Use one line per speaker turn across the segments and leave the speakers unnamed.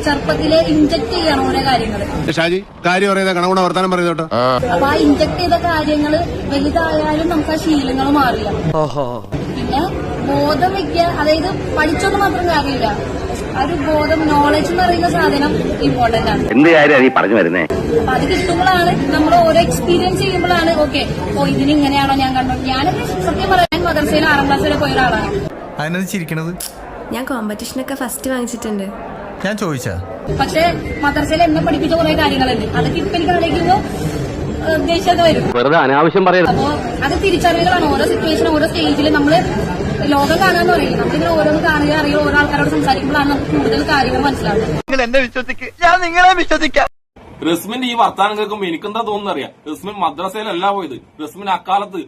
ചെറുപ്പത്തില് ഇൻജക്ട് ചെയ്യണം ഓരോ കാര്യങ്ങള്.
ഷാജി കാര്യം പറയുന്ന കണകുണ വർത്താനം പറയുന്നോട്ടോ.
അപ്പൊ ആ ഇൻജക്ട് ചെയ്ത കാര്യങ്ങള് വലുതായാലും നമുക്ക് ആ ശീലങ്ങൾ മാറില്ല. പിന്നെ ബോധം വെക്കുക, അതായത് പഠിച്ചൊന്നും മാത്രം കാര്യമില്ല, ഒരു ബോധം, നോളജ് എന്ന് പറയുന്ന സാധനം ഇമ്പോർട്ടന്റ് ആണ്.
എന്ത് കാര്യം നീ പറഞ്ഞു വരുന്നേ?
അപ്പൊ അത് കിട്ടുമ്പോഴാണ് നമ്മൾ ഓരോ എക്സ്പീരിയൻസ് ചെയ്യുമ്പോഴാണ് ഓക്കെ ഓ ഇതിന് ഇങ്ങനെയാണോ ഞാൻ കണ്ടു. ഞാനൊക്കെ സത്യം പറയാൻ മദ്രസയിൽ 6ാം ക്ലാസ് വരെ പോയ ഒരാളാണ്.
അതിനത് ചിരിക്കണത്?
ഞാൻ കോമ്പറ്റീഷനൊക്കെ ഫസ്റ്റ് വാങ്ങിച്ചിട്ടുണ്ട്.
ഞാൻ ചോദിച്ചാ?
പക്ഷെ മദ്രസയിൽ എന്നെ പഠിപ്പിച്ച കുറെ കാര്യങ്ങളുണ്ട്, അതൊക്കെ ഇപ്പൊ എനിക്ക് ആലോചിക്കുമ്പോ ദേഷ്യമൊക്കെ വരും.
വെറുതെ അനാവശ്യം പറയരുത്.
അപ്പോ അത് തിരിച്ചറിവുകളാണ്. ഓരോ സിറ്റുവേഷൻ, ഓരോ സ്റ്റേജിൽ നമ്മള് ലോകം കാണാന്ന് പറയില്ല, നമ്മളിങ്ങനെ ഓരോന്ന് കാണുക, അറിയുക, ഓരോ ആൾക്കാരോട് സംസാരിക്കുമ്പോഴാണ് നമുക്ക് കൂടുതൽ കാര്യങ്ങൾ മനസ്സിലാവുന്നത്.
നിങ്ങൾ എന്നെ വിശ്വസിക്കുക, ഞാൻ നിങ്ങളെ വിശ്വസിക്കാം.
റസ്മിന്റെ ഈ വർത്താനം കേൾക്കുമ്പോ എനിക്കെന്താ തോന്നുന്നറിയാം, റസ്മിൻ മദ്രസയിലല്ല പോയത്, റസ്മിൻ അക്കാലത്ത്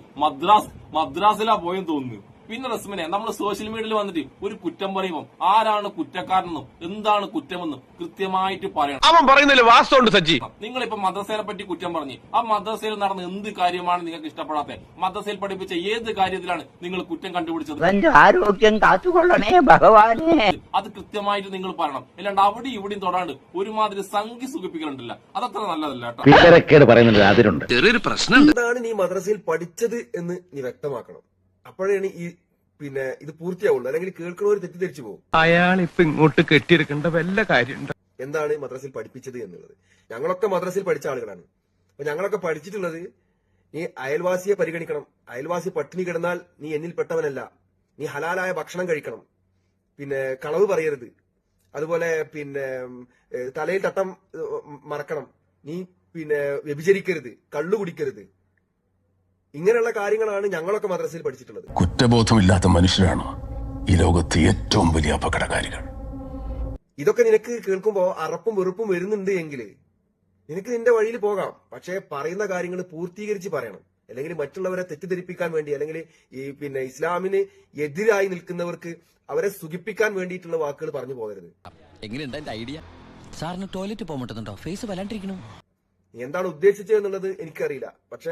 മദ്രാസിലാ പോയെന്ന് തോന്നുന്നു. പിന്നെ റസ്മിനെ നമ്മൾ സോഷ്യൽ മീഡിയയിൽ വന്നിട്ട് ഒരു കുറ്റം പറയുമ്പോൾ ആരാണ് കുറ്റക്കാരനെന്നും എന്താണ് കുറ്റമെന്നും കൃത്യമായിട്ട് പറയണം.
അവൻ പറയുന്നില്ല വാസ്തവമുണ്ട് സജ്ജി.
നിങ്ങളിപ്പോ മദ്രസയെ പറ്റി കുറ്റം പറഞ്ഞ് ആ മദ്രസയിൽ നടന്ന എന്ത് കാര്യമാണ് നിങ്ങൾക്ക് ഇഷ്ടപ്പെടാത്തത്? മദ്രസയിൽ പഠിപ്പിച്ച ഏത് കാര്യത്തിലാണ് നിങ്ങൾ കുറ്റം കണ്ടുപിടിച്ചത്?
ആരോഗ്യം കാത്തുകൊള്ളണേ ഭഗവാനെ.
അത് കൃത്യമായിട്ട് നിങ്ങൾ പറയണം. അല്ലാണ്ട് അവിടെ ഇവിടെയും തൊടാണ്ട് ഒരുമാതിരി സംഖ്യ സുഖിപ്പിക്കലുണ്ടല്ല, അതത്ര നല്ലതല്ല
കേട്ടോ. അതിലുണ്ട്
ചെറിയൊരു പ്രശ്നം.
എന്താണ് നീ മദ്രസയിൽ പഠിച്ചത് എന്ന് നീ വ്യക്തമാക്കണം. അപ്പോഴാണ് ഈ ഇത് പൂർത്തിയാവുള്ളൂ. അല്ലെങ്കിൽ കേൾക്കുന്നവർ തെറ്റിദ്ധരിച്ചു പോകും.
അയാൾ ഇപ്പൊ ഇങ്ങോട്ട് കെട്ടിയെടുക്കേണ്ട വല്ല കാര്യമുണ്ട്?
എന്താണ് മദ്രസയിൽ പഠിപ്പിച്ചത് എന്നുള്ളത്. ഞങ്ങളൊക്കെ മദ്രസയിൽ പഠിച്ച ആളുകളാണ്. അപ്പൊ ഞങ്ങളൊക്കെ പഠിച്ചിട്ടുള്ളത് നീ അയൽവാസിയെ പരിഗണിക്കണം, അയൽവാസി പട്ടിണി കിടന്നാൽ നീ എന്നിൽ പെട്ടവനല്ല, നീ ഹലാലായ ഭക്ഷണം കഴിക്കണം, പിന്നെ കളവ് പറയരുത്, അതുപോലെ പിന്നെ തലയിൽ തട്ടം മറക്കണം, നീ പിന്നെ വ്യഭിചരിക്കരുത്, കള്ളു കുടിക്കരുത്. ഇങ്ങനെയുള്ള കാര്യങ്ങളാണ് ഞങ്ങളൊക്കെ മദ്രസയിൽ പഠിച്ചിട്ടുള്ളത്.
കുറ്റബോധമില്ലാത്ത മനുഷ്യരാണ് ഈ ലോകത്തെ ഏറ്റവും വലിയ അപകടകാരികൾ.
ഇതൊക്കെ നിനക്ക് കേൾക്കുമ്പോ അറപ്പും വെറുപ്പും വരുന്നുണ്ട് എങ്കിൽ നിനക്ക് നിന്റെ വഴിയിൽ പോകാം. പക്ഷെ പറയുന്ന കാര്യങ്ങൾ പൂർത്തീകരിച്ച് പറയണം. അല്ലെങ്കിൽ മറ്റുള്ളവരെ തെറ്റിദ്ധരിപ്പിക്കാൻ വേണ്ടി, അല്ലെങ്കിൽ ഈ പിന്നെ ഇസ്ലാമിന് എതിരായി നിൽക്കുന്നവർക്ക് അവരെ സുഖിപ്പിക്കാൻ വേണ്ടിയിട്ടുള്ള വാക്കുകൾ പറഞ്ഞു പോകരുത്.
എങ്ങനെയുണ്ട് എന്റെ ഐഡിയ? സാറിന് ടോയ്ലറ്റ് പോകുന്നുണ്ടോ? ഫേസ് വല്ലാണ്ടിരിക്കണു.
നീ എന്താണ് ഉദ്ദേശിച്ചത് എന്നുള്ളത് എനിക്കറിയില്ല. പക്ഷെ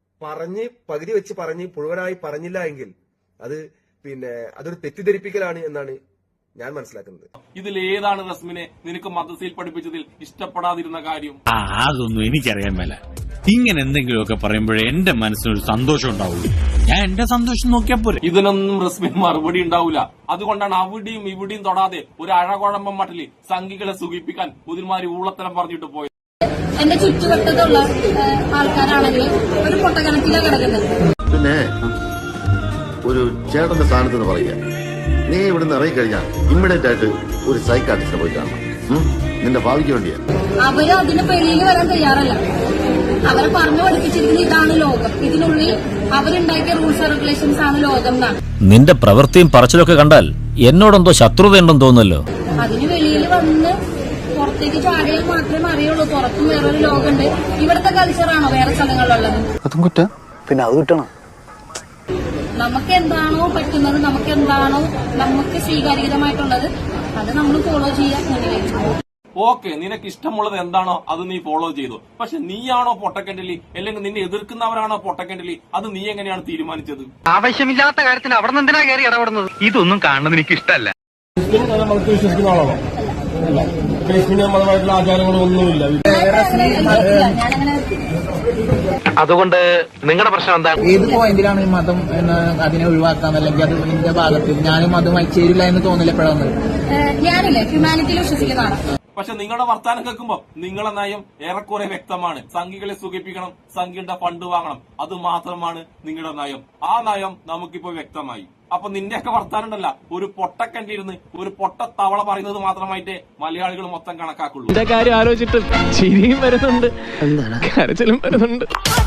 പകുതി വെച്ച് പറഞ്ഞ് മുഴുവനായി പറഞ്ഞില്ല എങ്കിൽ അത് പിന്നെ അതൊരു തെറ്റിദ്ധരിപ്പിക്കലാണ് എന്നാണ് ഞാൻ മനസ്സിലാക്കുന്നത്.
ഇതിലേതാണ് റസ്മിനെ നിനക്ക് മദ്രസയിൽ പഠിപ്പിച്ചതിൽ ഇഷ്ടപ്പെടാതിരുന്ന കാര്യം?
അതൊന്നും എനിക്കറിയാൻ മേല. ഇങ്ങനെ എന്തെങ്കിലുമൊക്കെ പറയുമ്പോഴേ എന്റെ മനസ്സിനൊരു സന്തോഷം ഉണ്ടാവുള്ളൂ. ഞാൻ എന്റെ സന്തോഷം നോക്കിയാ പോരെ.
ഇതിനൊന്നും റസ്മിൻ മറുപടി ഉണ്ടാവില്ല. അതുകൊണ്ടാണ് അവിടെയും ഇവിടെയും തൊടാതെ ഒരു അഴകുഴമ്പം മട്ടില് സംഘികളെ സുഖിപ്പിക്കാൻ ഒരുമാതിരി ഊളത്തരം പറഞ്ഞിട്ട് പോയത്.
എന്റെ ചുറ്റുവട്ടത്തുള്ള ആൾക്കാരാണെങ്കിൽ ഒരു പൊട്ടക്കണക്കിലാണ് കിടക്കുന്നത്.
പിന്നെ ഒരു ചേട്ടന്റെ സ്ഥാനത്ത് നിന്ന് പറയുക, നീ ഇവിടുന്ന് ഇറങ്ങിക്കഴിഞ്ഞാൽ ഇമ്മീഡിയറ്റ് ആയിട്ട് ഒരു സൈക്കാട്രിസ്റ്റിനെ പോയി കാണണം. നിന്റെ ഭാവിക്ക് വേണ്ടിയാ.
അവര് അതിന് വെളിയിൽ വരാൻ തയ്യാറല്ല. അവരെ പറഞ്ഞു പഠിപ്പിച്ചിരിക്കുന്നത് ഇതാണ് ലോകം, ഇതിനുള്ളിൽ അവരുണ്ടാക്കിയ റൂൾസ് ആൻഡ് റെഗുലേഷൻസ് ആണ് ലോകം എന്നാണ്.
നിന്റെ പ്രവൃത്തിയും പറച്ചിലൊക്കെ കണ്ടാൽ എന്നോടെന്തോ ശത്രുതയുണ്ടെന്ന് തോന്നുന്നല്ലോ.
അതിന് വെളിയിൽ വന്ന് പുറത്തേക്ക് ചാടിയാൽ മാത്രമേ അറിയുള്ളൂ പുറത്തും വേറൊരു ലോകമുണ്ട്. ഇവിടുത്തെ കൾച്ചറാണോ വേറെ സ്ഥലങ്ങളിലുള്ളത്?
അതും കുറ്റം. പിന്നെ അത് കിട്ടണം.
നമുക്ക് എന്താണോ പറ്റുന്നത്, നമുക്ക് എന്താണോ നമുക്ക് സ്വീകാര്യമായിട്ടുള്ളത് അത് നമ്മൾ ഫോളോ ചെയ്യാൻ.
ഓക്കെ, നിനക്ക് ഇഷ്ടമുള്ളത് എന്താണോ അത് നീ ഫോളോ ചെയ്തു. പക്ഷെ നീയാണോ പൊട്ടക്കണ്ടലി, അല്ലെങ്കിൽ നിന്നെ എതിർക്കുന്നവരാണോ പൊട്ടക്കണ്ടലി, അത് നീ എങ്ങനെയാണ് തീരുമാനിച്ചത്?
ആവശ്യമില്ലാത്ത കാര്യത്തിന് അവിടെ നിന്ന് എന്തിനാ കയറി ഇടപെടുന്നത്?
ഇതൊന്നും കാണുന്നത് എനിക്ക് ഇഷ്ടമല്ല.
നമുക്ക് വിശ്വസിക്കുന്ന ആളാണോ? മതമായിട്ടുള്ള ആചാരങ്ങളൊന്നുമില്ല.
അതുകൊണ്ട് നിങ്ങളുടെ പ്രശ്നം എന്താണ്?
ഏത് പോയിന്റിലാണ് ഈ മതം അതിനെ ഒഴിവാക്കാൻ, അല്ലെങ്കിൽ അത് നിന്റെ ഭാഗത്ത് ഞാനും മതമായി ചേരില്ല എന്ന് തോന്നില്ല എപ്പോഴാണ്?
ഞാനില്ലേ ഹ്യൂമാനിറ്റിയിൽ വിശ്വസിക്കുന്നതാണ്.
പക്ഷെ നിങ്ങളുടെ വർത്താനം കേൾക്കുമ്പോ നിങ്ങളുടെ നയം ഏറെക്കുറെ വ്യക്തമാണ്. സംഘികളെ സുഖിപ്പിക്കണം, സംഘിയുടെ ഫണ്ട് വാങ്ങണം, അത് മാത്രമാണ് നിങ്ങളുടെ നയം. ആ നയം നമുക്കിപ്പോ വ്യക്തമായി. അപ്പൊ നിന്റെയൊക്കെ വർത്താനം ഉണ്ടല്ല, ഒരു പൊട്ടക്കണ്ടിരുന്ന് ഒരു പൊട്ട തവള പറയുന്നത് മാത്രമായിട്ടേ മലയാളികൾ മൊത്തം കണക്കാക്കുള്ളൂ.
കാര്യം ആലോചിച്ചിട്ട് ചിരിയും വരുന്നുണ്ട്, കരച്ചിലും വരുന്നുണ്ട്.